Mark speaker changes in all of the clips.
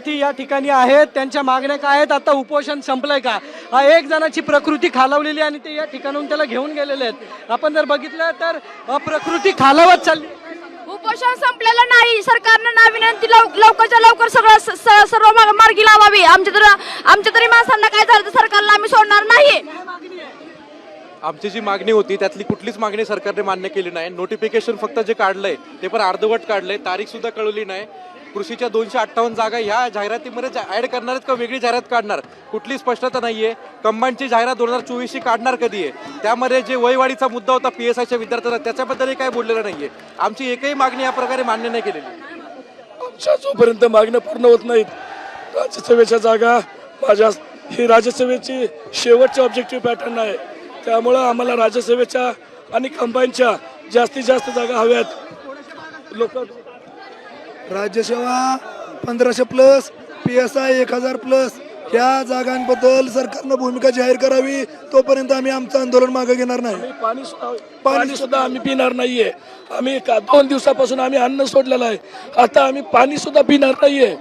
Speaker 1: विद्यार्थी या ठिकाणी आहेत, त्यांच्या मागण्या काय आहेत, आता उपोषण संपलंय का? एक जणाची प्रकृती खालावलेली आणि ते या ठिकाणाहून त्याला घेऊन गेलेले आहेत. आपण जर बघितलं तर प्रकृती खालावत चालली.
Speaker 2: उपोषण संपलेलं नाही. सरकारनं ना विनंती लवकरच्या लवकर सर्व मार्गी लावावी. आमच्या तरी माणसांना काय झालं तर सरकारला आम्ही सोडणार नाही.
Speaker 3: आमची जी मागणी होती त्यातली कुठलीच मागणी सरकारने मान्य केली नाही. नोटिफिकेशन फक्त जे काढलंय ते पण अर्धवट काढलंय, तारीख सुद्धा कळवली नाही. कृषीच्या 258 जागा ह्या जाहिरातीमध्ये ऍड करणार आहेत का वेगळी जाहिरात काढणार कुठली स्पष्टता नाहीये. कंबाईनची जाहिरात 2024 काढणार कधी आहे? त्यामध्ये जे वयवाढीचा मुद्दा होता PSIच्या विद्यार्थ्यांना त्याच्याबद्दलही काय बोललेलं नाहीये. आमची एकही मागणी या प्रकारे मान्य नाही केलेली.
Speaker 4: आमच्या जोपर्यंत मागण्या पूर्ण होत नाहीत राज्यसभेच्या जागा ही राज्यसभेची शेवटची ऑब्जेक्टिव्ह पॅटर्न आहे. त्यामुळं आम्हाला राज्यसभेच्या आणि कंबाईनच्या जास्तीत जास्त जागा हव्यात. लोक
Speaker 5: राज्यसेवा 1500+, PSI 1000+, या जागांबद्दल सरकारनं भूमिका जाहीर करावी. तोपर्यंत आम्ही आमचं आंदोलन मागे घेणार नाही.
Speaker 4: पाणी सुद्धा आम्ही पिणार नाहीये. आम्ही 2 दिवसापासून आम्ही अन्न सोडलेलं आहे. आता आम्ही पाणी सुद्धा पिणार नाहीये.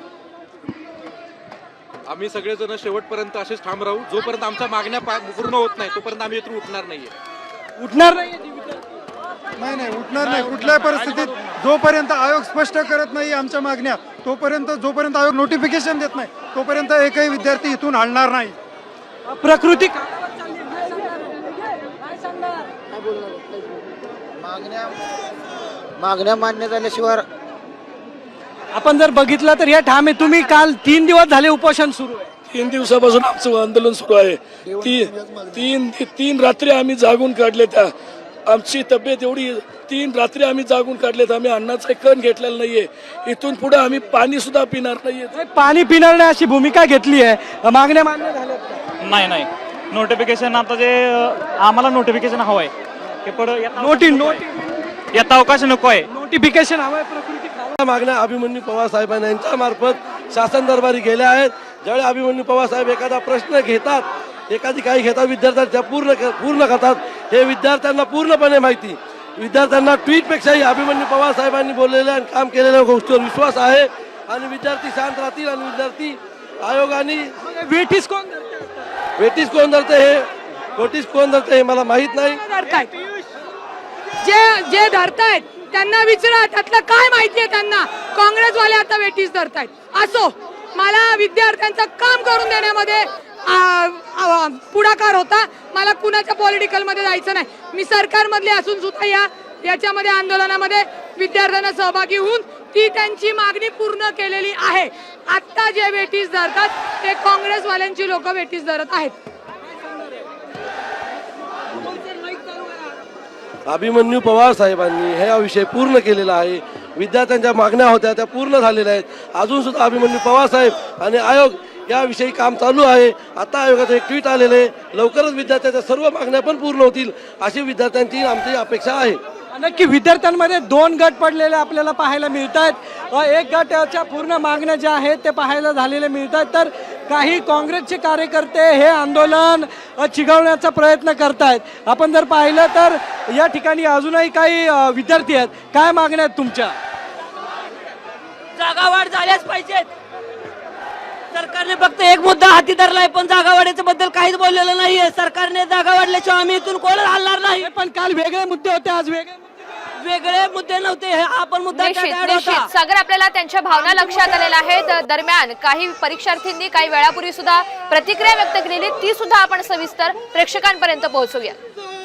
Speaker 3: आम्ही सगळेजण शेवटपर्यंत असेच ठाम राहू. जोपर्यंत आमच्या मागण्या पूर्ण होत नाही तोपर्यंत आम्ही इथून उठणार नाहीये.
Speaker 1: उठणार नाही
Speaker 6: नाही उठणार नाही कुठल्याही परिस्थितीत. जोपर्यंत आयोग स्पष्ट करत नाही आमच्या मागण्या, जोपर्यंत आयोग नोटिफिकेशन देत नाही तोपर्यंत एकही विद्यार्थी इथून हलणार नाही.
Speaker 1: प्रकृती
Speaker 7: मागण्या मान्य झाल्याशिवाय.
Speaker 1: आपण जर बघितलं तर या ठामे तुम्ही काल 3 दिवस झाले उपोषण सुरू आहे.
Speaker 4: 3 दिवसापासून आमचं आंदोलन सुरू आहे. तीन रात्री आम्ही जागून काढले. त्या आमची तब्येत एवढी 3 रात्री आम्ही जागून काढलेत. आम्ही अन्नाचा कण घेतलेला नाहीये. इथून पुढे आम्ही पाणी सुद्धा पिणार नाहीये.
Speaker 1: पाणी पिणार नाही अशी भूमिका घेतली आहे. मागण्या मान्य झाल्या
Speaker 8: नाही. नोटिफिकेशन आता जे आम्हाला नोटिफिकेशन हवंय ते पुढे येता अवकाश नको आहे.
Speaker 1: नोटिफिकेशन हवंय. प्रकृती
Speaker 4: मागण्या अभिमन्यू पवार साहेबांना यांच्या मार्फत शासन दरबारी गेल्या आहेत. ज्यावेळी अभिमन्यू पवार साहेब एखादा प्रश्न घेतात, एखादी काही घेतात, विद्यार्थ्यांच्या पूर्ण करतात. हे विद्यार्थ्यांना पूर्णपणे माहिती. विद्यार्थ्यांना ट्विटपेक्षाही अभिमन्यू पवार साहेबांनी बोललेल्या आणि काम केलेल्या गोष्टीवर विश्वास आहे. आणि विद्यार्थी शांत राहतील. आणि विद्यार्थी आयोगाने
Speaker 1: वेटीस
Speaker 4: कोण धरते हे मला माहित नाही.
Speaker 2: जे धरतायत त्यांना विचारा, त्यातलं काय माहितीये त्यांना. काँग्रेसवाले आता वेटीस धरतायत. असो, मला विद्यार्थ्यांचं काम करून देण्यामध्ये पुढाकार होता. मला कुणाच्या पॉलिटिकल मध्ये जायचं नाही. मी सरकारमधले असून सुद्धा याच्यामध्ये आंदोलनामध्ये विद्यार्थ्यांना सहभागी होऊन ती त्यांची मागणी पूर्ण केलेली आहे. आता जे वेटीस धरतात ते काँग्रेसवाल्यांची लोक वेटीस धरत आहेत.
Speaker 4: अभिमन्यू पवार साहेबांनी हा विषय पूर्ण केलेला आहे. विद्यार्थ्यांच्या मागण्या होत्या त्या पूर्ण झालेल्या आहेत. अजून सुद्धा अभिमन्यू पवार साहेब आणि आयोग याविषयी काम चालू आहे. आता आयोगाचं एक ट्विट आलेलं आहे. लवकरच विद्यार्थ्यांच्या सर्व मागण्या पण पूर्ण होतील अशी विद्यार्थ्यांची आमची अपेक्षा आहे.
Speaker 1: नक्की विद्यार्थ्यांमध्ये 2 गट पडलेले आपल्याला पाहायला मिळत आहेत. एक गटाच्या पूर्ण मागण्या ज्या आहेत ते पाहायला झालेले मिळत आहेत. तर काही काँग्रेसचे कार्यकर्ते हे आंदोलन चिघळण्याचा प्रयत्न करतायत. आपण जर पाहिलं तर या ठिकाणी अजूनही काही विद्यार्थी आहेत. काय मागण्या आहेत तुमच्या?
Speaker 2: जागावाढ झाल्याच पाहिजेत. सरकारने फक्त एक मुद्दा हाती धरलाय पण जागावाढीच्या बद्दल काहीच बोललेलं नाहीये. सरकारने जागा वाढल्याशिवाय आम्ही इथून कोणच हलणार नाही.
Speaker 1: पण काल वेगळे मुद्दे होते, आज
Speaker 2: वेगळे मुद्दे नव्हते. हा पण मुद्दा
Speaker 9: निश्चित सागर, आपल्याला त्यांच्या भावना लक्षात आलेल्या आहेत. दरम्यान काही परीक्षार्थींनी काही वेळापूर्वी सुद्धा प्रतिक्रिया व्यक्त केलेली, ती सुद्धा आपण सविस्तर प्रेक्षकांपर्यंत पोहोचवूया.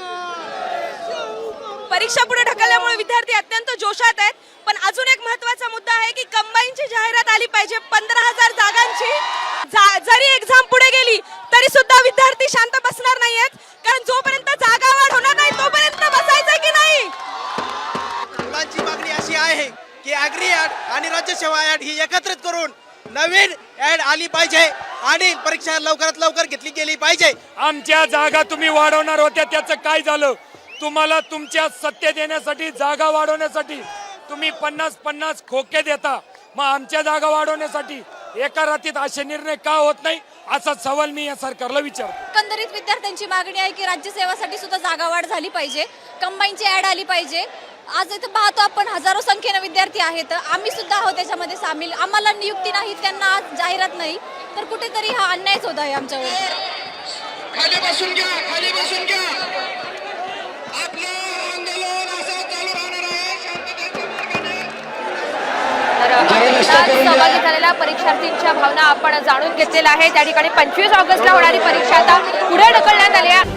Speaker 10: परीक्षा पुढे ढकलल्यामुळे विद्यार्थी अत्यंत जोशात आहेत. पण अजून एक महत्त्वाचा मुद्दा आहे की कंबाईनची जाहिरात आली पाहिजे 15,000 जागांची. जरी एक्झाम पुढे गेली तरी सुद्धा विद्यार्थी शांत बसणार नाहीयेत. कारण जोपर्यंत जागा वाढ होणार नाही तोपर्यंत बसायचं की नाही.
Speaker 7: मुलांची मागणी अशी आहे की ॲग्री ॲड आणि राज्यसेवा ॲड ही एकत्रित करून नवीन ॲड आली पाहिजे आणि परीक्षा लवकरात लवकर घेतली गेली पाहिजे.
Speaker 4: आमच्या जागा तुम्ही वाढवणार होत्या, त्याचं काय झालं? तुम्हाला तुमच्या सत्य देण्यासाठी, जागा वाढवण्यासाठी तुम्ही 50-50 खोके देता. मग आमच्या जागा वाढवण्यासाठी एका रात्रीत असे निर्णय का होत नाही असा सवाल मी या सरकारला विचारतो.
Speaker 10: एकंदरीत विद्यार्थ्यांची मागणी आहे की राज्यसेवासाठी सुद्धा जागा वाढ झाली पाहिजे, कंबाईनची ॲड आली पाहिजे. आज इथं पाहतो आपण हजारो संख्येने विद्यार्थी आहेत. आम्ही सुद्धा आहोत त्याच्यामध्ये सामील. आम्हाला नियुक्ती नाही, त्यांना आज जाहिरात नाही तर कुठेतरी हा अन्यायच होत आहे आमच्यावर.
Speaker 7: खाली बसून घ्या, खाली बसून घ्या. आपलं आंदोलन असं चालू राहणार आहे शांततेच्या मार्गाने.
Speaker 9: तर आंदोलनात सहभागी झालेल्या परीक्षार्थींच्या भावना आपण जाणून घेतलेल्या आहेत. त्या ठिकाणी 25 ऑगस्टला होणारी परीक्षा आता पुढे ढकलण्यात आली आहे.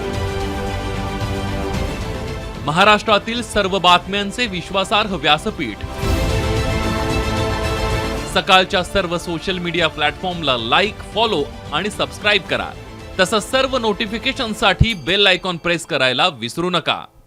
Speaker 11: महाराष्ट्रातील सर्व बातम्यांचे विश्वासार्ह व्यासपीठ सकाळच्या सर्व सोशल मीडिया प्लॅटफॉर्मला लाईक, फॉलो आणि सबस्क्राईब करा. तसंच सर्व नोटिफिकेशनसाठी बेल आयकॉन प्रेस करायला विसरू नका.